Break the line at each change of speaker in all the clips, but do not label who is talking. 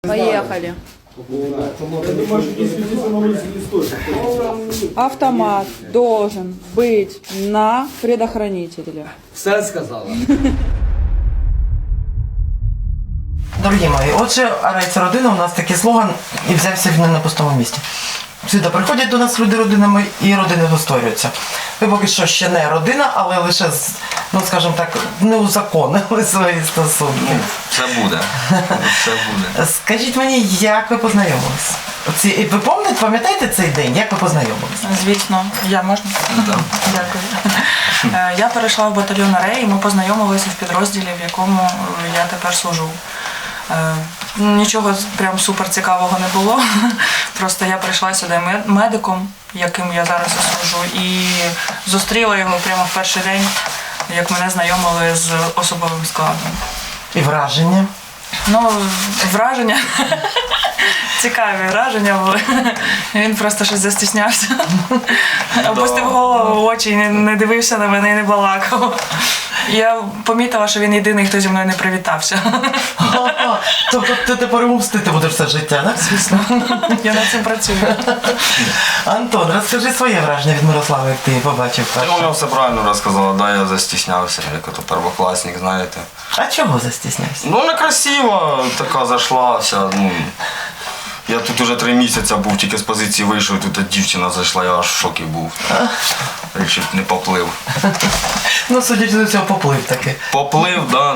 Поехали.
Я думаю, что действительно на улице не стоит.
Автомат должен быть на предохранителе.
Все сказала.
Дорогі мої, отже, Арай це родина, у нас такий слоган, і взявся він не на пустому місці. Сюди приходять до нас люди родинами і родини створюються. Ви поки що ще не родина, але лише, ну скажімо так, не узаконили свої стосунки.
Все буде. Все буде.
Скажіть мені, як ви познайомились? І ви пам'ятаєте цей день, як ви познайомились?
Звісно, я можна?
Да.
Дякую. Я перейшла в батальйон Арей, і ми познайомилися в підрозділі, в якому я тепер служу. Нічого прям супер цікавого не було. Просто я прийшла сюди медиком, яким я зараз і служу, і зустріла його прямо в перший день, як мене знайомили з особовим складом.
І враження?
Ну, враження. Цікаві враження були. Він просто щось застіснявся. Опустив голову в очі, не дивився на мене і не балакав. Я помітила, що він єдиний, хто зі мною не привітався.
Тобто ти тепер йому мстити будеш все життя, так?
Звісно. Я над цим працюю.
Антон, розкажи своє враження від Мирослави, як ти її побачив
Ти
перше.
воно все правильно розказала, да, я застіснявся, як ото первокласник, знаєте.
А чого застіснявся?
Ну, некрасиво така зайшла вся, ну. Я тут уже 3 місяці був, тільки з позиції вийшов, тут дівчина зайшла, я аж в шокі був. Рішив, не поплив.
Ну, судячи до цього, поплив таки.
Поплив, да.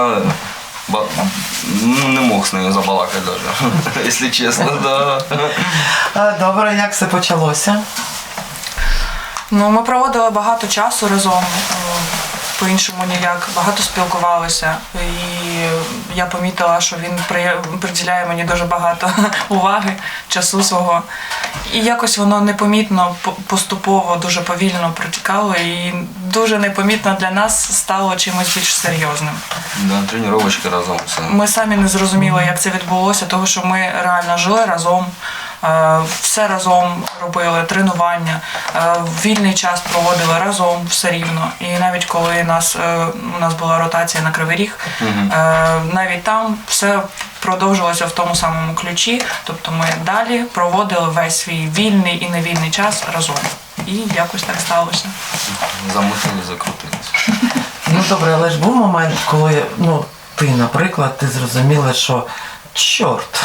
Ну, не мог з нею забалакати навіть, якщо чесно, да.
Добре, як все почалося?
Ну, ми проводили багато часу разом, по-іншому ніяк, багато спілкувалися. І я помітила, що він приділяє мені дуже багато уваги, часу свого. І якось воно непомітно, поступово, дуже повільно протікало, і дуже непомітно для нас стало чимось більш серйозним.
Да, тренувачки разом все.
Ми самі не зрозуміли, як це відбулося, тому що ми реально жили разом, все разом робили, тренування, вільний час проводили разом все рівно. І навіть коли у нас була ротація на Кривий Ріг, навіть там все продовжилося в тому самому ключі, тобто ми далі проводили весь свій вільний і невільний час разом. І якось так сталося.
Замутили, закрутились.
Ну, добре, але ж був момент, коли, ну, ти, наприклад, ти зрозуміла, що чорт.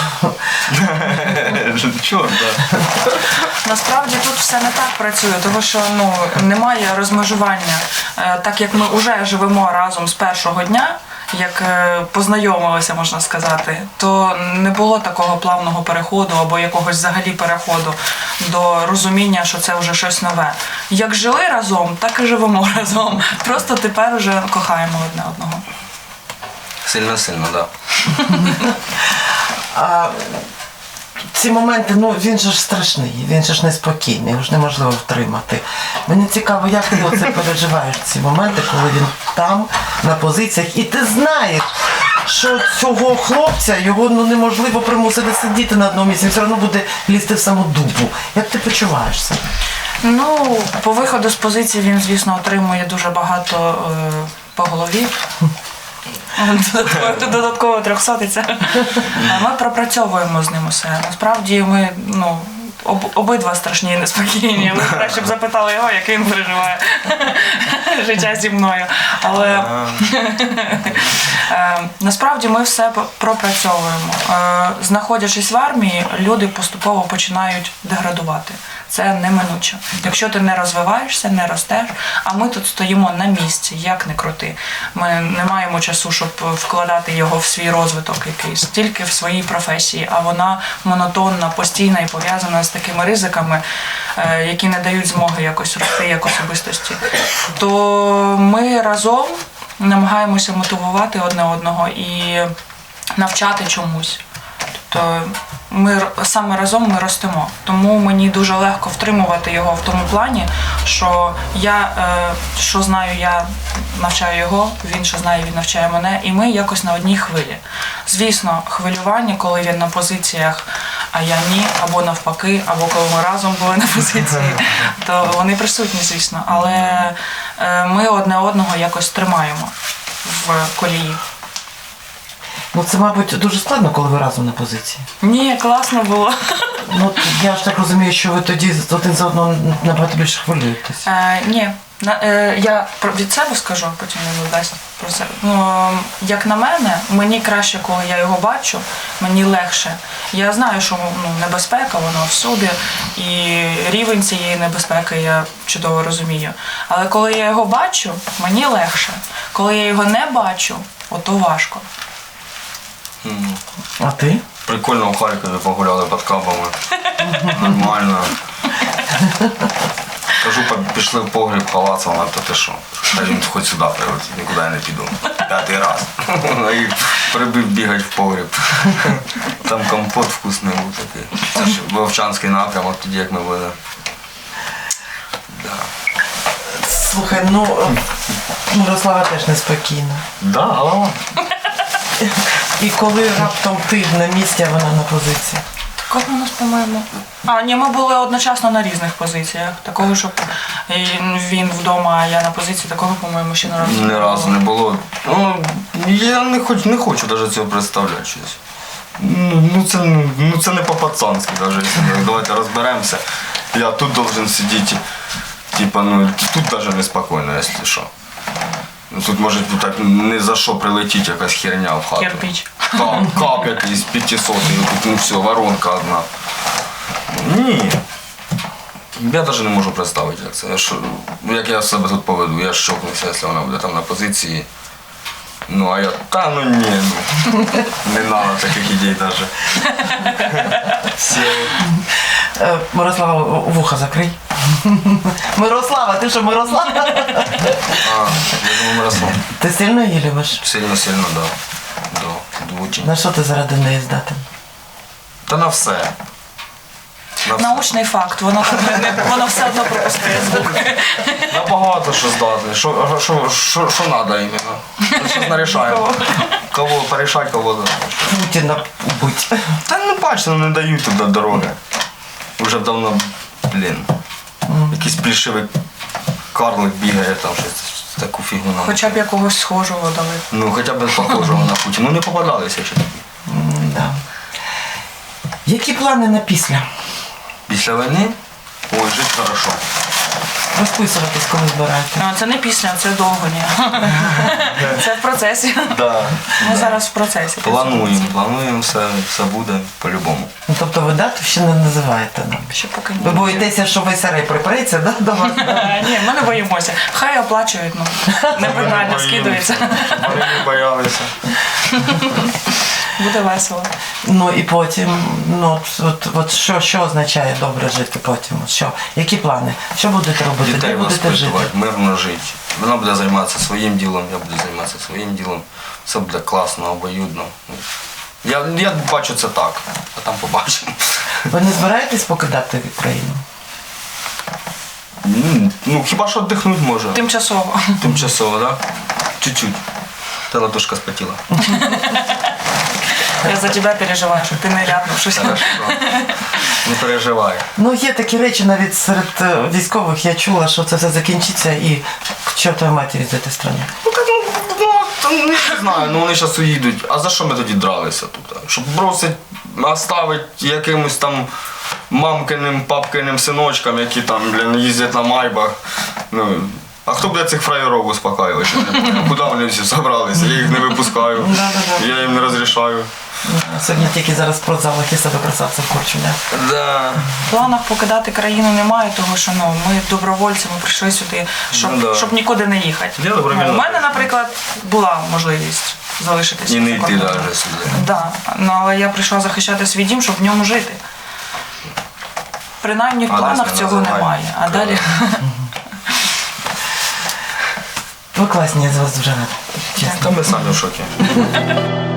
Чорт, да.
Насправді тут все не так працює, тому що немає розмежування. Так як ми вже живемо разом з першого дня, як познайомилися, можна сказати, то не було такого плавного переходу або якогось взагалі переходу до розуміння, що це вже щось нове. Як жили разом, так і живемо разом. Просто тепер вже кохаємо одне одного.
Сильно-сильно, да.
А ці моменти, ну, він же ж страшний, він же ж неспокійний, його ж неможливо втримати. Мені цікаво, як ти оце переживаєш, ці моменти, коли він там, на позиціях, і ти знаєш, що цього хлопця, його неможливо примусити сидіти на одному місці, він все одно буде лізти в саму дупу. Як ти почуваєшся?
Ну, по виходу з позиції він, звісно, отримує дуже багато по голові. Додатково 300-ця. Ми пропрацьовуємо з ним усе. Насправді ми, обидва страшні і неспокійні. Ви краще б запитали його, як він переживає життя зі мною. Але насправді ми все пропрацьовуємо. Знаходячись в армії, люди поступово починають деградувати. Це неминуче. Якщо ти не розвиваєшся, не ростеш, а ми тут стоїмо на місці, як не крути. Ми не маємо часу, щоб вкладати його в свій розвиток якийсь, тільки в своїй професії, а вона монотонна, постійна і пов'язана з такими ризиками, які не дають змоги якось рости як особистості. То ми разом намагаємося мотивувати одне одного і навчати чомусь. Тобто саме разом ми ростемо. Тому мені дуже легко втримувати його в тому плані, що я, що знаю, я навчаю його, він, що знає, він навчає мене, і ми якось на одній хвилі. Звісно, хвилювання, коли він на позиціях, а я ні, або навпаки, або коли ми разом були на позиції, то вони присутні, звісно. Але ми одне одного якось тримаємо в колії.
Ну це, мабуть, дуже складно, коли ви разом на позиції.
Ні, класно було.
Ну, я ж так розумію, що ви тоді один за одного набагато більше хвилюєтесь.
Ні. Я від себе скажу, а потім він дасть про себе. Ну, як на мене, мені краще, коли я його бачу, мені легше. Я знаю, що небезпека, вона всюди, і рівень цієї небезпеки я чудово розумію. Але коли я його бачу, мені легше. Коли я його не бачу, ото важко.
А ти?
Прикольно в Харкові погуляли під кабами. Нормально. Кажу, пішли в погріб ховатися, вона то ти що? Та він хоч сюди прилетить, нікуди я не піду. 5-й раз. І прибив бігати в погріб. Там компот вкусний був такий. Це ж Вовчанський напрямок, тоді як ми були. Да.
Слухай, Мирослава теж неспокійна.
Да, голова.
І коли раптом ти на місці, а вона на позиції.
Такого у нас, по-моєму. Ні, ми були одночасно на різних позиціях. Такого, щоб він вдома, а я на позиції, такого, по-моєму, ще не разу.
Ні разу не було. Я не хочу навіть цього представляти щось. Це не по-пацанськи навіть. Давайте розберемося. Я тут должен сидіти. Типа, тут навіть неспокійно, якщо що. Тут може так не за що прилетіть якась херня в хату.
Кирпич.
Кап якийсь 500, і тут все, воронка одна. Ні. Я навіть не можу представити, як це. Як я себе тут поведу, я щокнуся, якщо вона буде там на позиції. А я, ні, не треба таких ідей навіть.
Мирослава, вуха закрий. Мирослава, ти що, Мирослава?
Я думаю, Мирослав.
Ти сильно її любиш?
Сильно, да. Дуже.
На що ти заради неї здатен?
Та на все. На все.
Научний факт, воно все одно пропускає звук.
На багато що здатний. Що треба іменно? Зараз нарішаємо. Кого порішати, кого.
Путіна убить.
Та бачите, не дають туди дороги. Уже давно, якийсь плішивий карлик бігає, там щось таку фігню нам.
Хоча б якогось схожого дали.
Хоча б похожого на Путіна. Не попадалися ще такі.
Да. Які плани на після?
Після війни? Ой, жити хорошо.
Розписуватись, коли збираєте.
Це не після, це довго, ні. Це в процесі.
Да.
Ми зараз в процесі.
Плануємо, все буде по-любому.
Тобто ви дату ще не називаєте нам?
Ще поки ні.
Ви боїтеся, що весь арей припреться, да, до вас?
Ні, ми не боїмося. Хай оплачують, непризнально скидується.
Вони не боялися.
Буде весело.
І потім, що означає добре жити потім? Які плани? Що будете робити?
Дітей
Де будете жити?
воспитувати, мирно жити. Вона буде займатися своїм ділом, я буду займатися своїм ділом. Все буде класно, обоюдно. Я бачу це так, а там побачимо.
Ви не збираєтесь покидати країну?
Хіба що віддихнути може.
Тимчасово.
Тимчасово, так? Да? Чуть-чуть. Та ладошка спотіла.
Я за тебе переживаю, щоб ти не ляпнув щось.
Хорошо. Не переживай.
Є такі речі, навіть серед військових я чула, що це все закінчиться і к чортовій матері з цієї країни.
Не знаю, вони зараз уїдуть. А за що ми тоді дралися тут? Щоб бросить, оставить якимось там мамкиним, папкиним синочкам, які там, їздять на майбах. А хто буде цих фраєров успокаювати? Куди вони всі зібралися? Я їх не випускаю, я їм не розрішаю.
Сьогодні тільки зараз в спортзалах і себе красавців корчу,
Да.
В планах покидати країну немає, тому що ми добровольці, ми прийшли сюди, щоб нікуди не їхати.
Я добровільно.
У мене, наприклад, була можливість залишитися.
І не
за
йти
кордоном.
навіть сюди.
Да. Але я прийшла захищати свій дім, щоб в ньому жити. Принаймні в
Адрес
планах
не
цього
називай.
немає. А далі.
Ви класні, я з вас дуже рада. Чесно.
Та ми самі в шокі.